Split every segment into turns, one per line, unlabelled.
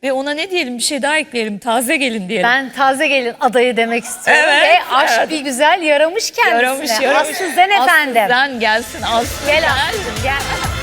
Ve ona ne diyelim, bir şey daha ekleyelim, taze gelin diyelim.
Ben taze gelin adayı demek istiyorum ve aşk bir güzel yaramış kendisine.
Yaramış.
Aslı Zen efendim.
Aslı Zen gelsin, Aslı
Gel Aslı, gel.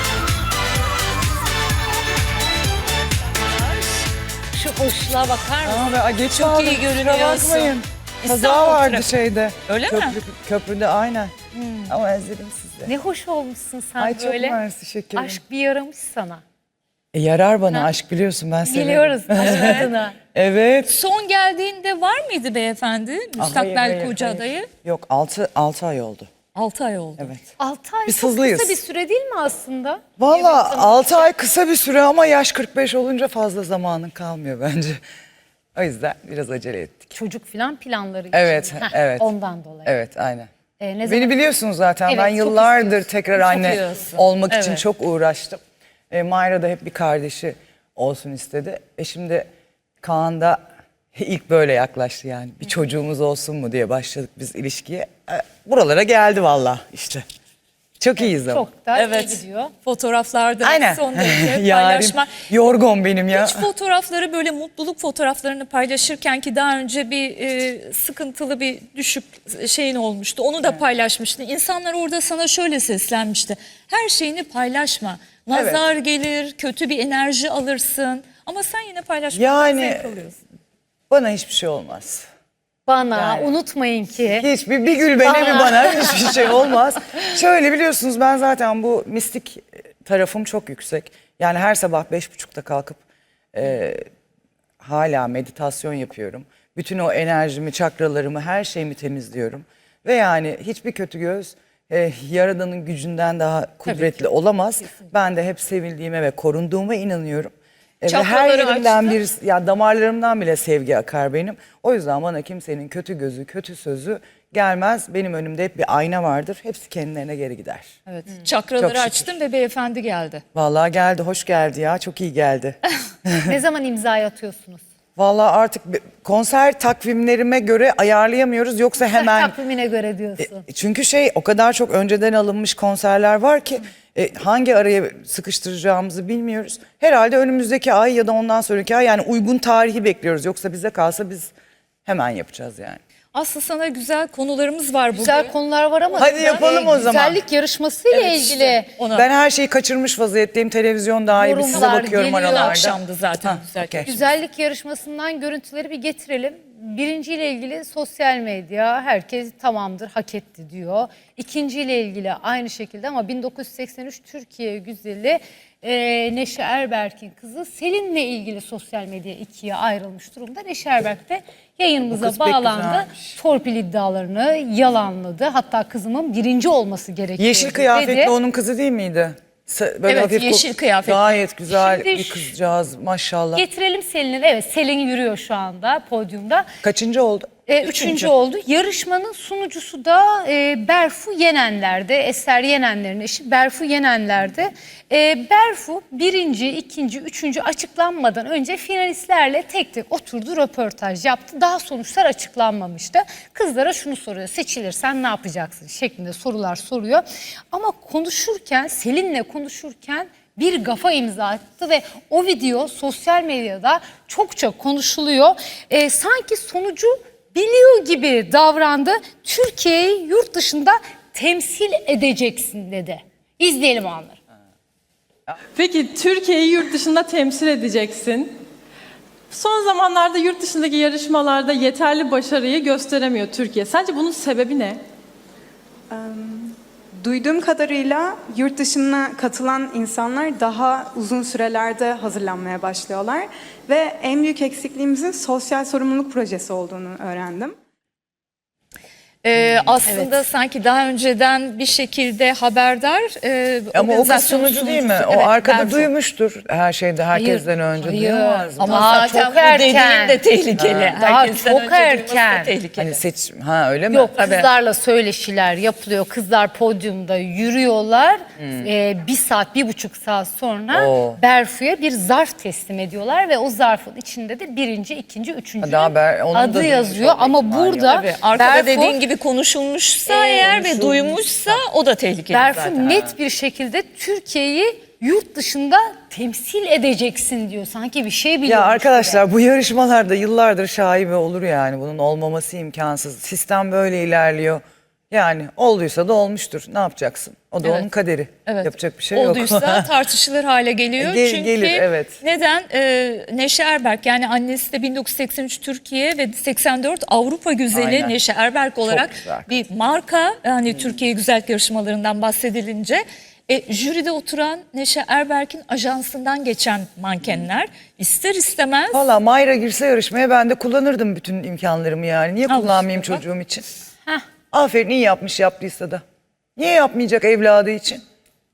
Şu hoşluğa bakar mısın?
Aa, geç
Çok
aldım,
iyi
kusura
görünüyorsun.
bakmayın. Kaza
İstanbul
vardı
trafiği.
şeyde.
Öyle mi?
Köprüde aynen. Ama özledim sizi.
Ne hoş olmuşsun sen
Ay çok
böyle.
mersi şekerim.
Aşk bir yaramış sana.
Yarar bana aşk biliyorsun ben severim.
Biliyoruz aşk adına.
Evet.
Son geldiğinde var mıydı beyefendi? Müstakbel
Hayır,
koca
hayır.
adayı.
Yok 6 ay oldu.
6 ay oldu.
Evet.
6 ay
Biz
çok
hızlıyız.
kısa bir süre değil mi aslında?
Valla 6 ay kısa bir süre ama yaş 45 olunca fazla zamanın kalmıyor bence. O yüzden biraz acele ettik.
Çocuk falan planları için.
Evet, evet.
Ondan dolayı.
Evet aynen.
Ne zaman?
Beni biliyorsunuz zaten.
Evet,
Ben
çok
yıllardır
istiyorsun.
tekrar
Çok
anne
istiyorsun.
olmak için
Evet.
çok uğraştım. Mayra da hep bir kardeşi olsun istedi. Şimdi Kaan da ilk böyle yaklaştı yani. Bir çocuğumuz olsun mu diye başladık biz ilişkiye. Buralara geldi valla işte. Çok iyiyiz ama.
Çok da
Evet.
iyi gidiyor.
Fotoğraflarda
Aynen.
son derece
Yarim
paylaşma.
yorgun benim ya.
Hiç fotoğrafları, böyle mutluluk fotoğraflarını paylaşırken ki daha önce bir sıkıntılı bir düşük şeyin olmuştu. Onu da paylaşmıştın. İnsanlar orada sana şöyle seslenmişti. Her şeyini paylaşma. Nazar gelir, kötü bir enerji alırsın. Ama sen yine paylaşmaktan
Yani
zevk alıyorsun.
bana hiçbir şey olmaz.
Bana
Yani.
unutmayın ki.
Hiçbir bir gül bana bir bana hiçbir şey olmaz. Şöyle biliyorsunuz ben zaten bu mistik tarafım çok yüksek. Yani her sabah 5.30'da kalkıp hala meditasyon yapıyorum. Bütün o enerjimi, çakralarımı, her şeyimi temizliyorum. Ve yani hiçbir kötü göz Yaradan'ın gücünden daha kudretli olamaz. Ben de hep sevildiğime ve korunduğuma inanıyorum. Ve her
Çakraları
yerimden
açtın.
ya damarlarımdan bile sevgi akar benim. O yüzden bana kimsenin kötü gözü, kötü sözü gelmez. Benim önümde hep bir ayna vardır. Hepsi kendilerine geri gider.
Evet.
Çok
Çakraları
şükür.
açtın ve beyefendi geldi.
Vallahi geldi, hoş geldi ya. Çok iyi geldi.
Ne zaman imzayı atıyorsunuz?
Vallahi artık konser takvimlerime göre ayarlayamıyoruz. Yoksa hemen...
Takvimine göre diyorsun.
Çünkü o kadar çok önceden alınmış konserler var ki hangi araya sıkıştıracağımızı bilmiyoruz. Herhalde önümüzdeki ay ya da ondan sonraki ay yani uygun tarihi bekliyoruz. Yoksa bize kalsa biz hemen yapacağız yani.
Aslı sana güzel konularımız var bugün.
Güzel konular var ama
Hadi yapalım o zaman.
güzellik yarışmasıyla
Evet,
ilgili
işte ona.
Ben her şeyi kaçırmış vaziyetteyim. Televizyon daha iyi. Size
Yorumlar
bakıyorum
geliyor.
aralarda.
Akşamdı zaten. Güzel.
okey.
güzellik yarışmasından görüntüleri bir getirelim. Birinciyle ilgili sosyal medya herkes tamamdır hak etti diyor. İkinciyle ilgili aynı şekilde ama 1983 Türkiye güzeli Neşe Erberk'in kızı Selin'le ilgili sosyal medya ikiye ayrılmış durumda. Neşe Erberk de yayınımıza
kız pek
bağlandı.
güzelmiş.
Torpil iddialarını yalanladı. Hatta kızımın birinci olması gerekiyor
Yeşil
dedi.
kıyafetli onun kızı değil miydi? Böyle
Evet,
hafif
yeşil kıyafetli.
Gayet güzel
Şimdi
bir kızcağız maşallah.
Getirelim Selin'in. Evet, Selin yürüyor şu anda podyumda.
Kaçıncı oldu?
Üçüncü oldu. Yarışmanın sunucusu da Berfu Yenenler'de. Eser Yenenler'in eşi Berfu Yenenler'de. Berfu birinci, ikinci, üçüncü açıklanmadan önce finalistlerle tek tek oturdu, röportaj yaptı. Daha sonuçlar açıklanmamıştı. Kızlara şunu soruyor: seçilirsen ne yapacaksın şeklinde sorular soruyor. Ama konuşurken, Selin'le konuşurken bir gafa imza attı ve o video sosyal medyada çokça konuşuluyor. Sanki sonucu biliyor gibi davrandı. Türkiye'yi yurt dışında temsil edeceksin dedi. İzleyelim o anları.
Peki Türkiye'yi yurt dışında temsil edeceksin. Son zamanlarda yurt dışındaki yarışmalarda yeterli başarıyı gösteremiyor Türkiye. Sence bunun sebebi ne?
Duyduğum kadarıyla yurt dışına katılan insanlar daha uzun sürelerde hazırlanmaya başlıyorlar ve en büyük eksikliğimizin sosyal sorumluluk projesi olduğunu öğrendim.
Aslında sanki daha önceden bir şekilde haberdar.
Ama o kız
organizasyonun
sunucu değil mi?
sunucusu.
O
Evet,
arkada
Berfu.
duymuştur her şeyde herkesten önce. Duyamaz mı?
Ama
Aa,
zaten
çok
bu dediğin
erken.
de tehlikeli.
Daha
Herkesten
çok
önce duyması da
erken.
tehlikeli.
Hani öyle mi?
Yok,
Tabii.
kızlarla söyleşiler yapılıyor. Kızlar podyumda yürüyorlar. 1 saat, 1,5 saat sonra
Oo.
Berfu'ya bir zarf teslim ediyorlar ve o zarfın içinde de birinci, ikinci, üçüncü
Daha onun da
adı
duymuş
yazıyor.
olma
Ama
ihtimali yok.
burada
Tabii, arkada
Berfu,
dediğin gibi konuşulmuşsa eğer ve duymuşsa o da tehlikeli
Berfu
zaten.
net bir şekilde Türkiye'yi yurt dışında temsil edeceksin diyor. Sanki bir şey biliyormuş
Ya
gibi.
arkadaşlar bu yarışmalarda yıllardır şaibe olur yani. Bunun olmaması imkansız. Sistem böyle ilerliyor. Yani olduysa da olmuştur. Ne yapacaksın? O da
Evet.
onun kaderi.
Evet.
Yapacak bir şey yok.
Olduysa tartışılır hale geliyor. Çünkü
Gelir, evet.
neden? Neşe Erberk, yani annesi de 1983 Türkiye ve 84 Avrupa güzeli
Aynen.
Neşe Erberk olarak
güzel.
bir marka. Hani Türkiye güzellik yarışmalarından bahsedilince jüride oturan Neşe Erberk'in ajansından geçen mankenler ister istemez
Valla Mayra girse yarışmaya ben de kullanırdım bütün imkanlarımı yani. Niye
Al
kullanmayayım
işte bak.
çocuğum için?
Heh.
Aferin, iyi yapmış yaptıysa da. Niye yapmayacak evladı için?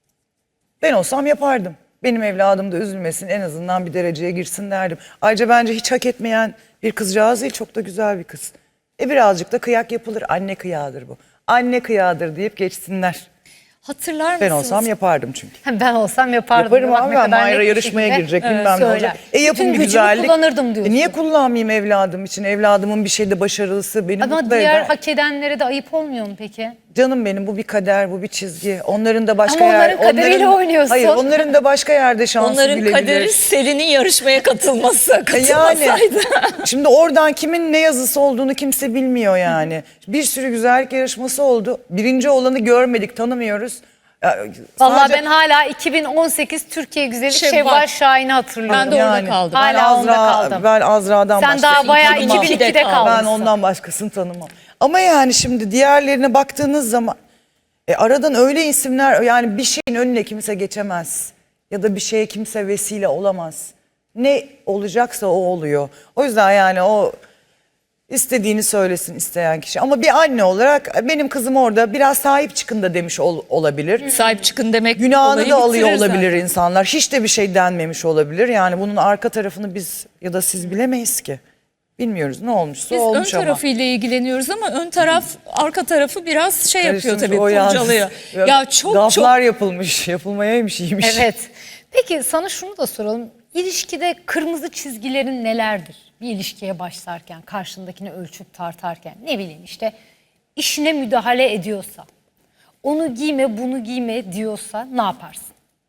Ben olsam yapardım. Benim evladım da üzülmesin, en azından bir dereceye girsin derdim. Ayrıca bence hiç hak etmeyen bir kızcağız değil, çok da güzel bir kız. Birazcık da kıyak yapılır. Anne kıyağıdır bu. Anne kıyağıdır deyip geçsinler.
hatırlar mısınız?
Ben olsam yapardım çünkü.
Ben olsam yapardım.
Yaparım
Bak
abi,
ne
ben
kadar
Mayra
net bir
yarışmaya
şekilde,
girecek bilmem ne
söyler.
olacak.
Bütün
Yapın bir
gücümü
güzellik.
kullanırdım diyorsun.
Niye kullanmayayım evladım için? Evladımın bir şeyde başarılısı beni
Ama
mutlu
diğer
eder.
hak edenlere de ayıp olmuyor mu peki?
Canım benim, bu bir kader, bu bir çizgi. Onların da başka
Ama onların kaderiyle oynuyorsun.
Hayır, onların da başka yerde şansı
Onların
gülebilir.
kaderi Selin'in yarışmaya katılması.
Yani
Katılmasaydı.
şimdi oradan kimin ne yazısı olduğunu kimse bilmiyor yani. Bir sürü güzellik yarışması oldu. Birinci olanı görmedik, tanımıyoruz. Ya,
Vallahi
sadece-
ben hala 2018 Türkiye Güzeli
Şevval.
Şevval Şahin'i hatırlıyorum.
Ben de orada kaldım.
Hala onda kaldım.
Ben Azra'dan
Sen daha
başkasını
bayağı
tanımam.
2002'de kalmışsın.
Ben ondan başkasını tanımam. Ama yani şimdi diğerlerine baktığınız zaman aradan öyle isimler, yani bir şeyin önüne kimse geçemez. Ya da bir şeye kimse vesile olamaz. Ne olacaksa o oluyor. O yüzden yani o istediğini söylesin isteyen kişi. Ama bir anne olarak benim kızım orada biraz sahip çıkın da demiş olabilir.
Sahip çıkın demek
Günahını
olayı
da alıyor
bitirir
olabilir
zaten.
insanlar. Hiç de bir şey denmemiş olabilir. Yani bunun arka tarafını biz ya da siz bilemeyiz ki. Bilmiyoruz, ne olmuşsa
Biz ön
olmuş ama.
tarafıyla ilgileniyoruz ama ön taraf arka tarafı biraz şey yapıyor
Karıştırmış,
tabii,
o yalnız.
kurcalıyor. Ya çok
Gaflar yapılmış, yapılmayaymış, iyiymiş.
Evet. Peki sana şunu da soralım. İlişkide kırmızı çizgilerin nelerdir? Bir ilişkiye başlarken, karşındakini ölçüp tartarken, ne bileyim işte işine müdahale ediyorsa, onu giyme bunu giyme diyorsa ne yaparsın?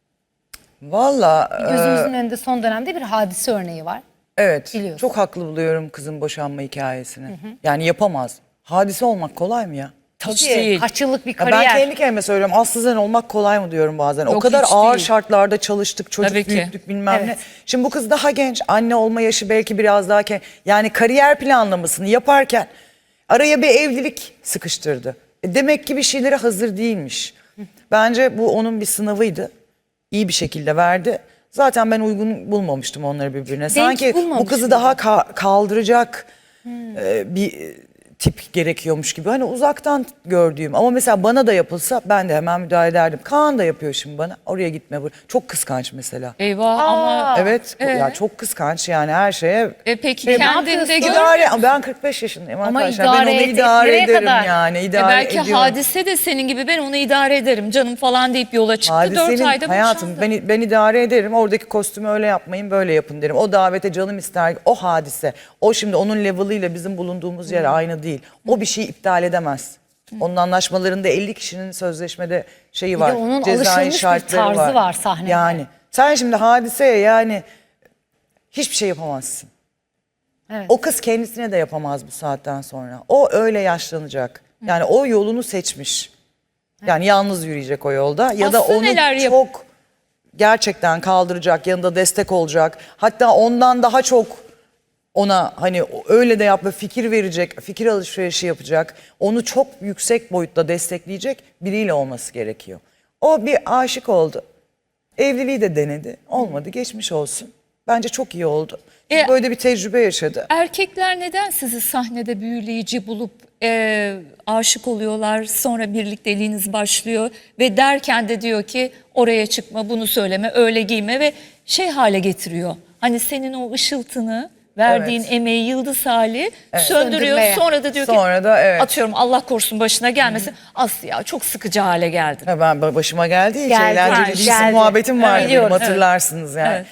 Valla
Gözümüzün önünde son dönemde bir hadise örneği var.
evet,
biliyorsun.
çok haklı buluyorum kızın boşanma hikayesini. Yani yapamaz. Hadise olmak kolay mı ya?
Hiç değil.
Kaç yıllık bir
Ya ben
kariyer.
kendi kendime söylüyorum, Aslızen olmak kolay mı diyorum bazen. O
Yok,
kadar
hiç
ağır
değil.
şartlarda çalıştık, çocuk
Tabii ki.
büyüttük bilmem ne.
Evet.
Şimdi bu kız daha genç, anne olma yaşı belki biraz daha yani kariyer planlamasını yaparken araya bir evlilik sıkıştırdı. Demek ki bir şeylere hazır değilmiş. Bence bu onun bir sınavıydı. İyi bir şekilde verdi. Zaten ben uygun bulmamıştım onları birbirine. Sanki bu
bulmamış
kızı daha kaldıracak bir tip gerekiyormuş gibi. Hani uzaktan gördüğüm, ama mesela bana da yapılsa ben de hemen müdahale ederdim. Kaan da yapıyor şimdi bana. Oraya gitme. Çok kıskanç mesela.
Eyvah ama
Evet, ya çok kıskanç yani her şeye.
peki
ne
kendinde
yapıyorsun?
gör.
Ben 45 yaşındayım
Ama
arkadaşlar. Ben onu
idare
idare
nereye
ederim
kadar?
yani. İdare
Belki
ediyorum.
hadise de senin gibi, ben onu idare ederim canım falan deyip yola çıktı. 4
Hadisenin
ayda
hayatım
boşandı.
ben idare ederim. Oradaki kostümü öyle yapmayın, böyle yapın derim. O davete canım ister. O hadise. O şimdi onun level'ıyla bizim bulunduğumuz yer aynı değil. O bir şeyi iptal edemez. Onun anlaşmalarında 50 kişinin sözleşmede şeyi var.
de onun
cezai
alışılmış bir
şartları
tarzı var sahnede.
Yani sen şimdi hadiseye yani hiçbir şey yapamazsın.
Evet.
O kız kendisine de yapamaz bu saatten sonra. O öyle yaşlanacak. Yani o yolunu seçmiş. Yani yalnız yürüyecek o yolda. Ya da
Aslı
onu
neler yap-
çok gerçekten kaldıracak, yanında destek olacak. Hatta ondan daha çok ona hani öyle de yapma, fikir verecek, fikir alışverişi yapacak. Onu çok yüksek boyutta destekleyecek biriyle olması gerekiyor. O bir aşık oldu. Evliliği de denedi. Olmadı, geçmiş olsun. Bence çok iyi oldu. Çünkü böyle bir tecrübe yaşadı.
Erkekler neden sizi sahnede büyüleyici bulup aşık oluyorlar, sonra birlikteliğiniz başlıyor ve derken de diyor ki oraya çıkma, bunu söyleme, öyle giyme ve şey hale getiriyor. Hani senin o ışıltını, verdiğin
Evet.
emeği, yıldız hali söndürüyor.
Söndürmeye.
Sonra da diyor ki
Sonra da evet.
atıyorum Allah korusun başına gelmesin. Aslı ya çok sıkıcı hale geldin.
Ha, ben başıma geldi hiç
Geldi,
eğlenceli
geldi.
değilsin muhabbetim vardı benim,
Biliyorum, evet.
hatırlarsınız yani.
Evet.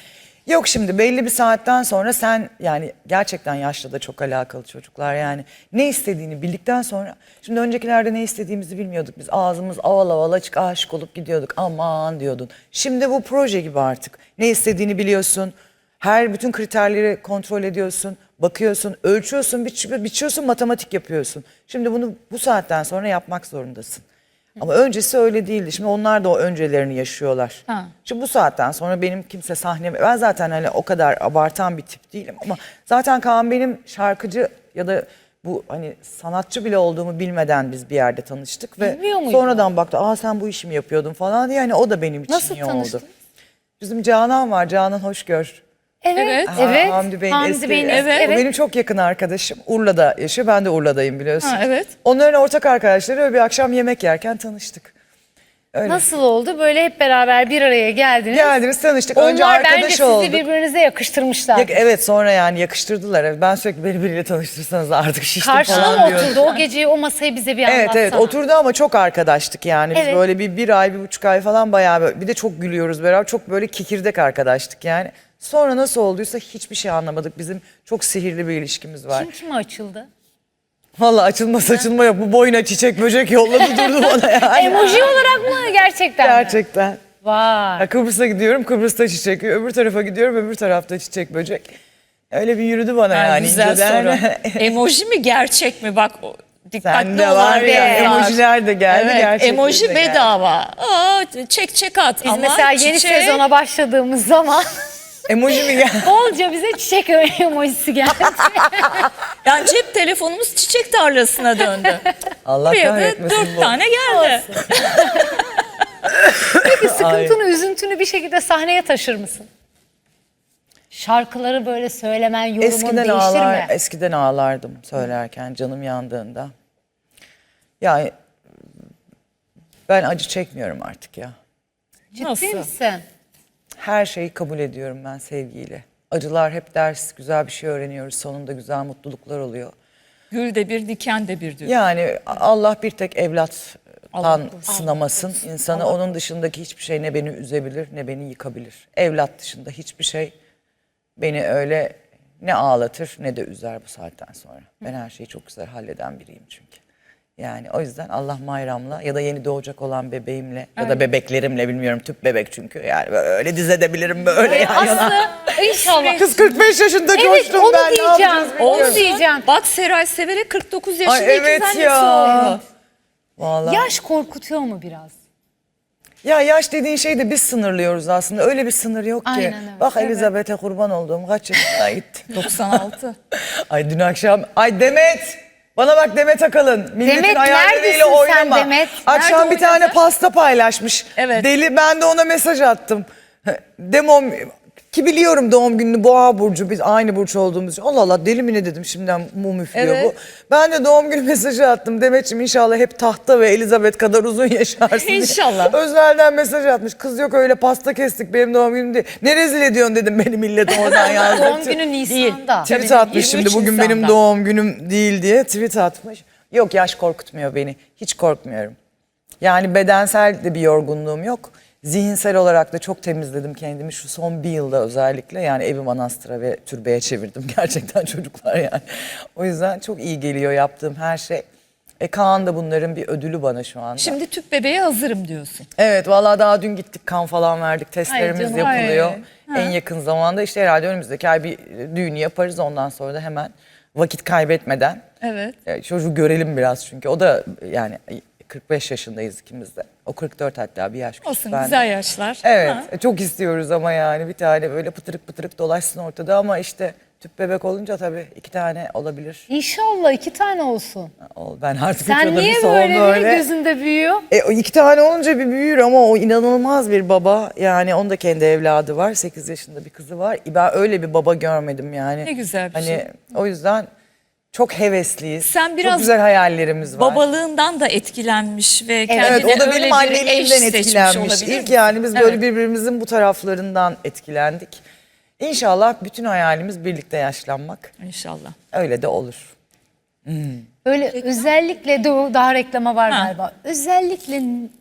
Yok, şimdi belli bir saatten sonra sen, yani gerçekten yaşla da çok alakalı çocuklar, yani ne istediğini bildikten sonra, şimdi öncekilerde ne istediğimizi bilmiyorduk biz, ağzımız aval aval açık, aşık olup gidiyorduk, aman diyordun. Şimdi bu proje gibi artık, ne istediğini biliyorsun, bütün kriterleri kontrol ediyorsun, bakıyorsun, ölçüyorsun, biçiyorsun, matematik yapıyorsun. Şimdi bunu bu saatten sonra yapmak zorundasın. Ama öncesi öyle değildi. Şimdi onlar da o öncelerini yaşıyorlar.
Ha.
Şimdi bu saatten sonra benim kimse sahneme... Ben zaten hani o kadar abartan bir tip değilim ama zaten Kaan benim şarkıcı ya da bu hani sanatçı bile olduğumu bilmeden biz bir yerde tanıştık ve
Bilmiyor muydun?
sonradan baktı, aa sen bu işi mi yapıyordun falan diye, yani o da benim için
Nasıl
iyi oldu.
tanıştınız?
Bizim Canan var, Canan Hoşgör.
Evet,
Evet.
evet.
Hamdi Bey'in eski,
evet.
O benim çok yakın arkadaşım. Urla'da yaşıyor. Ben de Urla'dayım biliyorsun.
Ha, evet.
Onların ortak arkadaşları, öyle bir akşam yemek yerken tanıştık. Öyle.
Nasıl oldu? Böyle hep beraber bir araya geldiniz.
Geldiniz, tanıştık. Önce
Onlar bence
arkadaş
sizi
olduk.
birbirinize yakıştırmışlar.
Evet, sonra yani yakıştırdılar. Evet, ben sürekli beni biriyle tanıştırsanız artık şiştim
Karşına
falan
mı
diyordum.
oturdu? O geceyi, o masayı bize bir anlatsana.
Evet oturdu ama çok arkadaştık yani. Biz
Evet.
böyle bir ay, 1,5 ay falan bayağı böyle, bir de çok gülüyoruz beraber. Çok böyle kikirdek arkadaştık yani. Sonra nasıl olduysa hiçbir şey anlamadık. Bizim çok sihirli bir ilişkimiz var.
Kim kime açıldı?
Vallahi açılma saçılma yok. Bu boyuna çiçek böcek yolladı durdu bana yani.
Emoji olarak mı gerçekten mi?
Gerçekten.
Vay.
Ya Kıbrıs'a gidiyorum, Kıbrıs'ta çiçek. Öbür tarafa gidiyorum, öbür tarafta çiçek böcek. Öyle bir yürüdü bana
Ha,
yani.
güzel
inceden.
soru. Emoji mi gerçek mi? Bak dikkatli
Sende
olan
var ya,
bir
emojiler de geldi,
Evet,
gerçekleri
emoji
de geldi.
bedava. Aa, çek at.
Biz
Ama
mesela yeni
çiçek-
sezona başladığımız zaman
Emoji mi geldi?
bolca bize çiçek emojisi geldi.
Yani cep telefonumuz çiçek tarlasına döndü.
Allah
Buraya da
kahretmesin
4
bu.
tane geldi.
Peki sıkıntını, üzüntünü bir şekilde sahneye taşır mısın? Şarkıları böyle söylemen, yorumun değiştir mi?
Eskiden ağlardım söylerken, canım yandığında. Yani ben acı çekmiyorum artık ya.
Ciddi
Nasıl?
misin?
Her şeyi kabul ediyorum ben sevgiyle. Acılar hep ders, güzel bir şey öğreniyoruz. Sonunda güzel mutluluklar oluyor.
Gül de bir, diken de bir diyor.
Yani Allah bir tek evlattan
Allah korusun.
sınamasın insanı. Onun dışındaki hiçbir şey ne beni üzebilir ne beni yıkabilir. Evlat dışında hiçbir şey beni öyle ne ağlatır ne de üzer bu saatten sonra. Ben her şeyi çok güzel halleden biriyim çünkü. Yani o yüzden Allah Mayram'la ya da yeni doğacak olan bebeğimle ya da bebeklerimle, bilmiyorum, tüp bebek çünkü, yani böyle dizedebilirim böyle yan yana.
Aslı inşallah.
Kız 45 yaşında
Evet,
coştum
onu
ben, ne
diyeceğim.
yapacağız bilmiyorum.
Onu diyeceğim.
Bak Seray Sever'e 49 yaşında
Ay evet
ikiz annesi
ya.
oldu.
Vallahi.
Yaş korkutuyor mu biraz?
Ya yaş dediğin şeyi de biz sınırlıyoruz aslında. Öyle bir sınır yok ki.
Aynen öyle.
Bak Elizabeth'e kurban olduğum kaç yaşına gitti.
96.
Ay dün akşam. Ay Demet. Bana bak Demet Akalın. Milletin
Demet,
hayalleriyle
neredesin sen
oynama.
Demet?
Akşam
Nerede
bir tane
oynadı?
pasta paylaşmış.
Evet.
Deli, ben de ona mesaj attım. Demom ki biliyorum doğum gününü, Boğa burcu, biz aynı burç olduğumuz için. Allah Allah, deli mi ne dedim, şimdiden mum üflüyor
Evet.
bu. Ben de doğum günü mesajı attım. Demetciğim inşallah hep tahta ve Elizabeth kadar uzun yaşarsın diye.
İnşallah.
Özelden mesaj atmış. Kız yok öyle pasta kestik, benim doğum günüm değil. Ne rezil ediyorsun dedim, beni millet oradan yazdı.
Doğum günü Nisan'da.
Tweet
Tabii,
atmış şimdi,
23
bugün benim
Nisan'da.
doğum günüm değil diye tweet atmış. Yok, yaş korkutmuyor beni. Hiç korkmuyorum. Yani bedensel de bir yorgunluğum yok. Zihinsel olarak da çok temizledim kendimi şu son bir yılda özellikle. Yani evi manastıra ve türbeye çevirdim gerçekten çocuklar yani. O yüzden çok iyi geliyor yaptığım her şey. Kaan da bunların bir ödülü bana şu anda.
Şimdi tüp bebeğe hazırım diyorsun.
Evet, vallahi daha dün gittik, kan falan verdik, testlerimiz
canım,
yapılıyor.
ay.
En yakın zamanda işte herhalde önümüzdeki ay bir düğünü yaparız, ondan sonra da hemen vakit kaybetmeden
Evet.
çocuğu görelim biraz, çünkü o da yani 45 yaşındayız ikimiz de. O 44 hatta, bir yaş küçük
Olsun,
benden.
güzel yaşlar.
Evet,
Ha.
çok istiyoruz ama yani bir tane böyle pıtırık pıtırık dolaşsın ortada, ama işte tüp bebek olunca tabii 2 tane olabilir.
İnşallah 2 tane olsun.
Ben artık
Sen
üçe de
niye
bir son
böyle gözünde büyüyor?
O 2 tane olunca bir büyür, ama o inanılmaz bir baba. Yani onun da kendi evladı var. 8 yaşında bir kızı var. Ben öyle bir baba görmedim yani.
Ne güzel bir
hani,
şey.
O yüzden çok hevesliyiz.
Sen biraz
çok güzel hayallerimiz var.
Babalığından da etkilenmiş ve kendine
Evet, o da
öyle
benim
bir
anneliğimden
eş seçmiş
etkilenmiş.
olabilir
İlk
mi?
yani biz böyle
Evet.
birbirimizin bu taraflarından etkilendik. İnşallah bütün hayalimiz birlikte yaşlanmak.
İnşallah.
Öyle de olur.
Böyle özellikle de daha reklama var
Ha.
galiba. Özellikle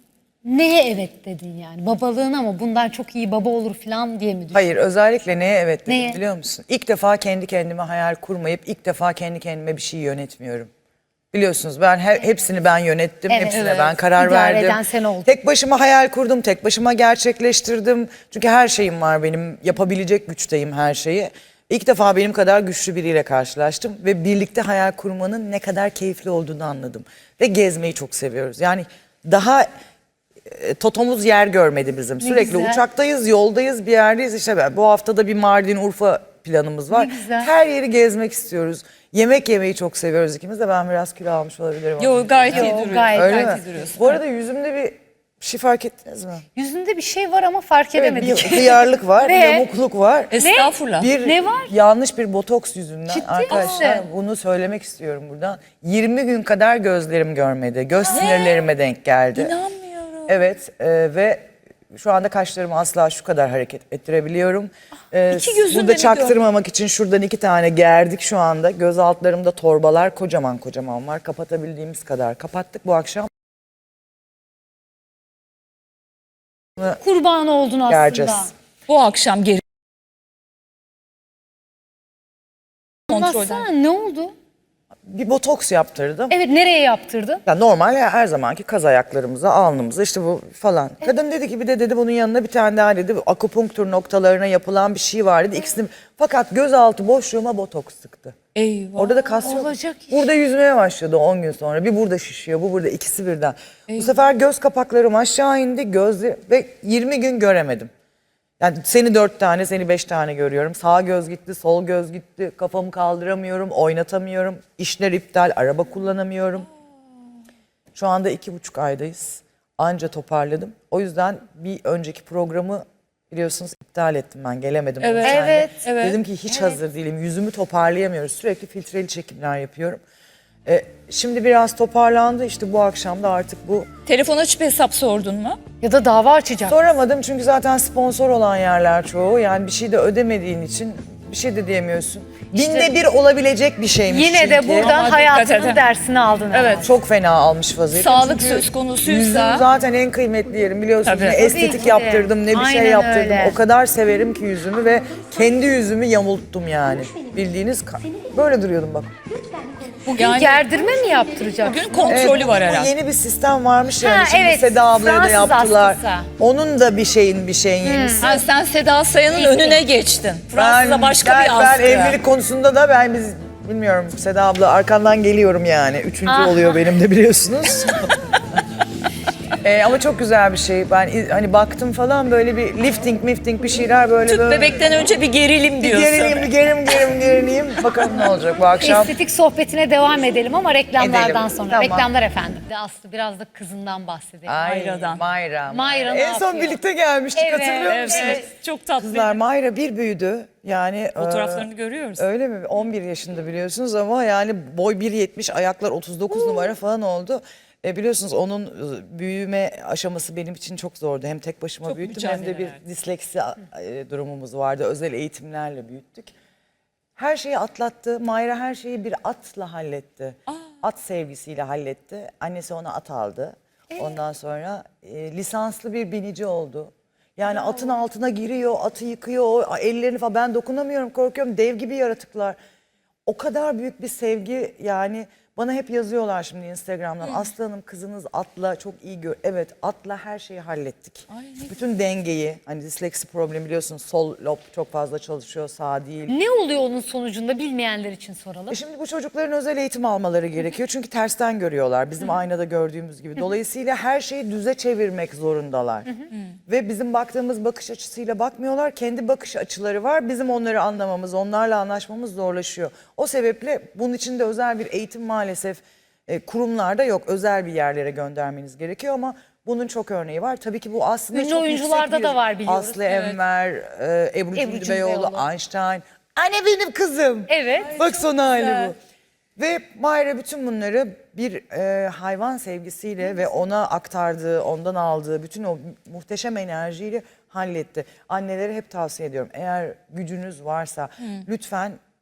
Neye evet dedin yani? Babalığına mı? Bundan çok iyi baba olur falan diye mi düşündün?
Hayır, özellikle neye evet dedim
Neye?
biliyor musun? İlk defa kendi kendime hayal kurmayıp ilk defa kendi kendime bir şey yönetmiyorum. Biliyorsunuz ben hepsini ben yönettim,
Evet.
hepsine
Evet.
ben karar
İdare
verdim.
eden sen oldun.
Tek başıma hayal kurdum, tek başıma gerçekleştirdim. Çünkü her şeyim var benim, yapabilecek güçteyim her şeyi. İlk defa benim kadar güçlü biriyle karşılaştım ve birlikte hayal kurmanın ne kadar keyifli olduğunu anladım. Ve gezmeyi çok seviyoruz. Yani daha totomuz yer görmedi bizim. Sürekli
güzel.
uçaktayız, yoldayız, bir yerdeyiz. İşte bu haftada bir Mardin, Urfa planımız var.
Ne güzel.
Her yeri gezmek istiyoruz. Yemek yemeyi çok seviyoruz ikimiz de. Ben biraz kilo almış olabilirim.
Yo gayet iyi
Yo,
duruyorsun.
gayet
Öyle
gayet
mi?
iyi duruyorsun.
Bu arada yüzümde bir şey fark ettiniz mi?
Yüzünde bir şey var ama fark
Evet,
edemedik.
bir hıyarlık var, bir
Ne?
yamukluk var.
Estağfurullah.
Bir
Ne var?
yanlış bir botoks yüzünden
Ciddi
arkadaşlar
misin?
bunu söylemek istiyorum buradan. 20 gün kadar gözlerim görmedi. Göz sinirlerime denk geldi.
İnanmıyorum.
Evet ve şu anda kaşlarımı asla şu kadar hareket ettirebiliyorum.
İki gözünle
Burada
mi
çaktırmamak için şuradan 2 tane gerdik şu anda. Göz altlarımda torbalar kocaman kocaman var. Kapatabildiğimiz kadar kapattık bu akşam.
Kurban oldun aslında.
Gereceğiz.
Bu akşam geri
Anlatsana ne oldu?
Bir botoks yaptırdım.
Evet, nereye yaptırdın?
Ya normal ya her zamanki kaz ayaklarımıza, alnımıza işte bu falan. Kadın dedi ki bir de dedi bunun yanına bir tane daha dedi akupunktur noktalarına yapılan bir şey var dedi. İkisini fakat gözaltı boşluğuma botoks sıktı.
Eyvah.
Orada da kas yok.
Olacak iş.
Burada yüzmeye başladı 10 gün sonra. Bir burada şişiyor, bu burada ikisi birden. Bu sefer göz kapaklarım aşağı indi gözle ve 20 gün göremedim. Yani seni 4 tane, seni 5 tane görüyorum. Sağ göz gitti, sol göz gitti. Kafamı kaldıramıyorum, oynatamıyorum. İşler iptal, araba kullanamıyorum. Şu anda 2,5 aydayız. Anca toparladım. O yüzden bir önceki programı biliyorsunuz iptal ettim ben. Gelemedim. o
Evet.
nedenle.
Evet.
Evet.
Dedim ki hiç hazır değilim. Yüzümü toparlayamıyoruz. Sürekli filtreli çekimler yapıyorum. Şimdi biraz toparlandı. İşte bu akşam da artık bu.
Telefon açıp hesap sordun mu?
Ya da dava açacak.
Soramadım çünkü zaten sponsor olan yerler çoğu. Yani bir şey de ödemediğin için bir şey de diyemiyorsun. Binde bir olabilecek bir şeymiş
Yine de
çünkü.
buradan
Ama dikkat
hayatının
edin.
dersini aldın.
Evet.
Çok fena almış vaziyette.
Sağlık
Çünkü
söz konusuysa-
yüzüm zaten en kıymetli yerim biliyorsunuz.
Tabii.
Ne
Tabii
estetik
ki de.
yaptırdım ne bir şey
Aynen
yaptırdım.
öyle.
O kadar severim ki yüzümü ve kendi yüzümü yamulttum yani. Bildiğiniz böyle duruyordum bak.
Bugün
Yani-
gerdirme mi yaptıracaksın?
Bugün kontrolü var
bu
herhalde.
yeni bir sistem varmış ya.
Ha,
Şimdi
evet,
Seda ablaya da
Fransız
yaptılar.
askısı.
Onun da bir şeyin yenisi.
Ha, sen Seda Sayan'ın önüne geçtin. Fransız'a başka bir askı.
Ben evlilik konusunda da biz bilmiyorum Seda abla arkandan geliyorum yani. Üçüncü oluyor benim de biliyorsunuz. Ama çok güzel bir şey. Ben hani baktım falan böyle bir lifting bir şeyler böyle.
Tüp
böyle.
bebekten önce bir gerilim diyorsun.
Gerileyim. Bakalım ne olacak bu akşam.
Estetik sohbetine devam edelim ama reklamlardan
Edelim,
sonra.
tamam.
Reklamlar efendim. Aslı biraz da kızından bahsedelim.
Mayra'dan.
Mayra
ne
En son
yapıyor?
birlikte gelmiştik
Evet,
hatırlıyor
Evet,
musunuz?
evet. Çok tatlı.
Kızlar Mayra bir büyüdü. Yani
Fotoğraflarını görüyoruz.
öyle mi? 11 yaşında biliyorsunuz ama yani boy 1,70 ayaklar 39 numara falan oldu. Biliyorsunuz onun büyüme aşaması benim için çok zordu. Hem tek başıma
Çok
büyüttüm hem de
mücadele
bir
verdi.
disleksi durumumuz vardı. Özel eğitimlerle büyüttük. Her şeyi atlattı. Mayra her şeyi bir atla halletti. At sevgisiyle halletti. Annesi ona at aldı. Ondan sonra lisanslı bir binici oldu. Yani atın altına giriyor, atı yıkıyor, o ellerini falan ben dokunamıyorum, korkuyorum. Dev gibi yaratıklar. O kadar büyük bir sevgi yani bana hep yazıyorlar şimdi Instagram'dan. Aslı Hanım kızınız atla çok iyi Evet atla her şeyi hallettik. Bütün dengeyi hani disleksi problemi biliyorsunuz sol lob çok fazla çalışıyor sağ değil.
Ne oluyor onun sonucunda bilmeyenler için soralım.
Şimdi bu çocukların özel eğitim almaları gerekiyor. Çünkü tersten görüyorlar bizim aynada gördüğümüz gibi. Dolayısıyla her şeyi düze çevirmek zorundalar. Ve bizim baktığımız bakış açısıyla bakmıyorlar. Kendi bakış açıları var. Bizim onları anlamamız, onlarla anlaşmamız zorlaşıyor. O sebeple bunun için de özel bir eğitim maalesef kurumlarda yok. Özel bir yerlere göndermeniz gerekiyor ama bunun çok örneği var. Tabii ki bu aslında
Ünlü
çok
oyuncularda
yüksek bir-
da var biliyoruz.
Aslı Enver, Ebru
Ebru
Cündebeyoğlu,
Cündebeyoğlu.
Einstein. Anne benim kızım.
Evet.
Bak son hali bu. Ve Mayra bütün bunları bir hayvan sevgisiyle ve ona aktardığı, ondan aldığı bütün o muhteşem enerjiyle halletti. Annelere hep tavsiye ediyorum. Eğer gücünüz varsa lütfen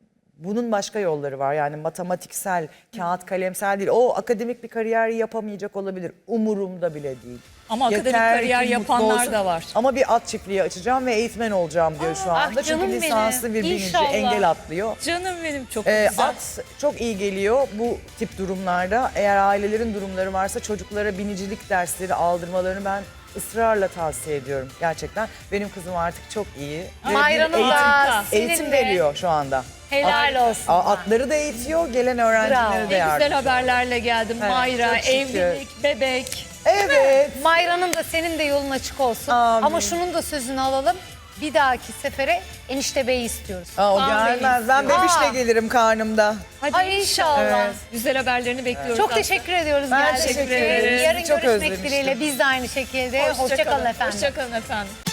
bunun başka yolları var. Yani matematiksel, kağıt kalemsel değil. O akademik bir kariyer yapamayacak olabilir. Umurumda bile değil.
Ama akademik
Yeter
kariyer
ki mutlu
yapanlar
olsun.
da var.
Ama bir at çiftliği açacağım ve eğitmen olacağım diyor şu anda.
ah canım
Çünkü
benim.
lisanslı bir binici
İnşallah.
engel atlıyor.
Canım benim, çok güzel.
At çok iyi geliyor bu tip durumlarda. Eğer ailelerin durumları varsa çocuklara binicilik dersleri aldırmalarını ben ısrarla tavsiye ediyorum gerçekten. Benim kızım artık çok iyi. Ve
Mayra'nın
bir
da
eğitim
senin de
veriyor şu anda.
helal olsun.
Atları da eğitiyor, gelen öğrencilere
Bravo.
de
Ne
yardımcı.
güzel haberlerle geldim.
Evet,
Mayra,
çok şükür.
evlilik, bebek.
Evet.
Mayra'nın da senin de yolun açık olsun.
Amin.
Ama şunun da sözünü alalım. Bir dahaki sefere enişte beyi istiyoruz.
Aa, o
Amin.
gelmez. Ben bebişle
Aa.
gelirim karnımda.
Hadi
Ay inşallah.
Evet.
Güzel haberlerini bekliyoruz.
Çok
Aslı.
teşekkür ediyoruz.
Ben
geldiğiniz
teşekkür
için.
ederim.
Yarın
Çok
görüşmek
özlemiştim.
dileğiyle biz de aynı şekilde. Hoşça kalın efendim.
Hoşça kalın efendim.